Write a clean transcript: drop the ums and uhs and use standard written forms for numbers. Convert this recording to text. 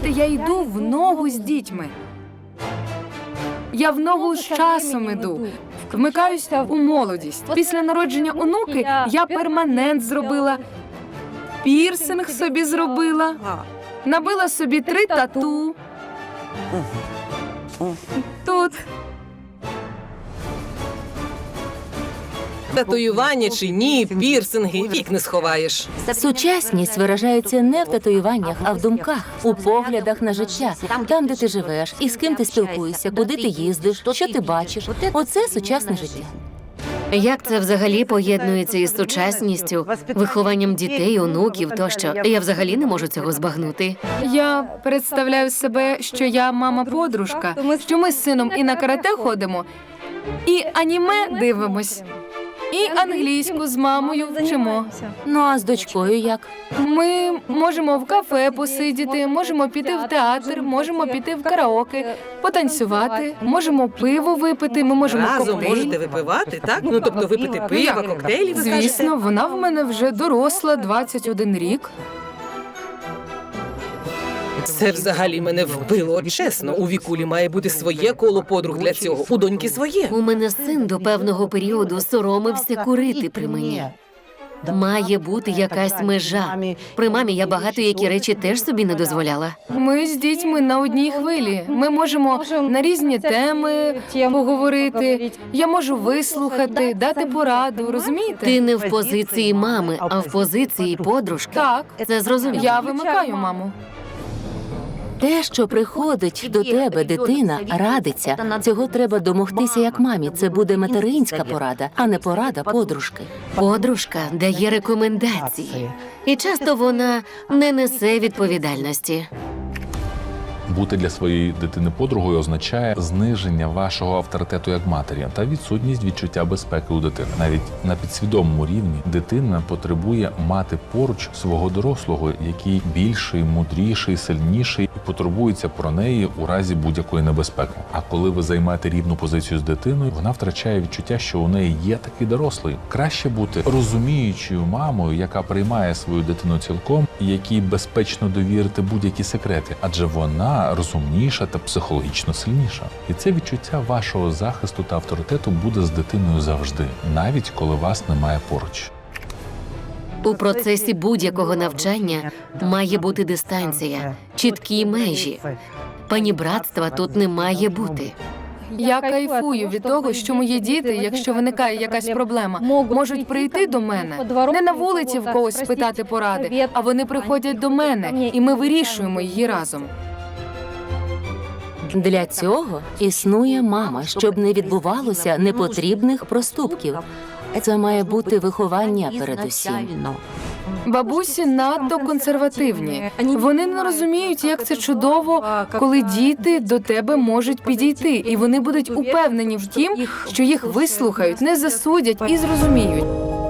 Розумієте, я йду в ногу з дітьми. Я в ногу з часом іду. Вмикаюся у молодість. Після народження онуки я перманент зробила, пірсинг собі зробила, набила собі 3 тату. Тут. Татуювання чи ні, пірсинги, вік не сховаєш. Сучасність виражається не в татуюваннях, а в думках, у поглядах на життя, там, де ти живеш, і з ким ти спілкуєшся, куди ти їздиш, що ти бачиш. Оце сучасне життя. Як це взагалі поєднується із сучасністю, вихованням дітей, онуків тощо? Я взагалі не можу цього збагнути. Я представляю себе, що я мама-подружка, що ми з сином і на карате ходимо, і аніме дивимось, і англійську з мамою вчимо. Ну а з дочкою як? Ми можемо в кафе посидіти, можемо піти в театр, можемо піти в караоке, потанцювати, можемо пиво випити, ми можемо Разом коктейль. можете випивати, так? Ну, тобто випити пиво, коктейлі, ви кажете? Звісно, вона в мене вже доросла, 21 рік. Це взагалі мене вбило, чесно. У Вікулі має бути своє коло подруг для цього, у доньки своє. У мене син до певного періоду соромився курити при мені. Має бути якась межа. При мамі я багато які речі теж собі не дозволяла. Ми з дітьми на одній хвилі. Ми можемо на різні теми поговорити. Я можу вислухати, дати пораду, розумієте? Ти не в позиції мами, а в позиції подружки. Так, Це зрозуміло. я вимикаю маму. Те, що приходить до тебе дитина, радиться. Цього треба домогтися як мамі. Це буде материнська порада, а не порада подружки. Подружка дає рекомендації. І часто вона не несе відповідальності. Бути для своєї дитини подругою означає зниження вашого авторитету як матері та відсутність відчуття безпеки у дитини. Навіть на підсвідомому рівні дитина потребує мати поруч свого дорослого, який більший, мудріший, сильніший і потурбується про неї у разі будь-якої небезпеки. А коли ви займаєте рівну позицію з дитиною, вона втрачає відчуття, що у неї є такий дорослий. Краще бути розуміючою мамою, яка приймає свою дитину цілком і якій безпечно довірити будь-які секрети, адже вона розумніша та психологічно сильніша. І це відчуття вашого захисту та авторитету буде з дитиною завжди, навіть коли вас немає поруч. У процесі будь-якого навчання має бути дистанція, чіткі межі. Панібратства тут не має бути. Я кайфую від того, що мої діти, якщо виникає якась проблема, можуть прийти до мене. Не на вулиці в когось спитати поради, а вони приходять до мене, і ми вирішуємо її разом. Для цього існує мама, щоб не відбувалося непотрібних проступків. Це має бути виховання передусім. Бабусі надто консервативні. Вони не розуміють, як це чудово, коли діти до тебе можуть підійти, і вони будуть упевнені в тім, що їх вислухають, не засудять і зрозуміють.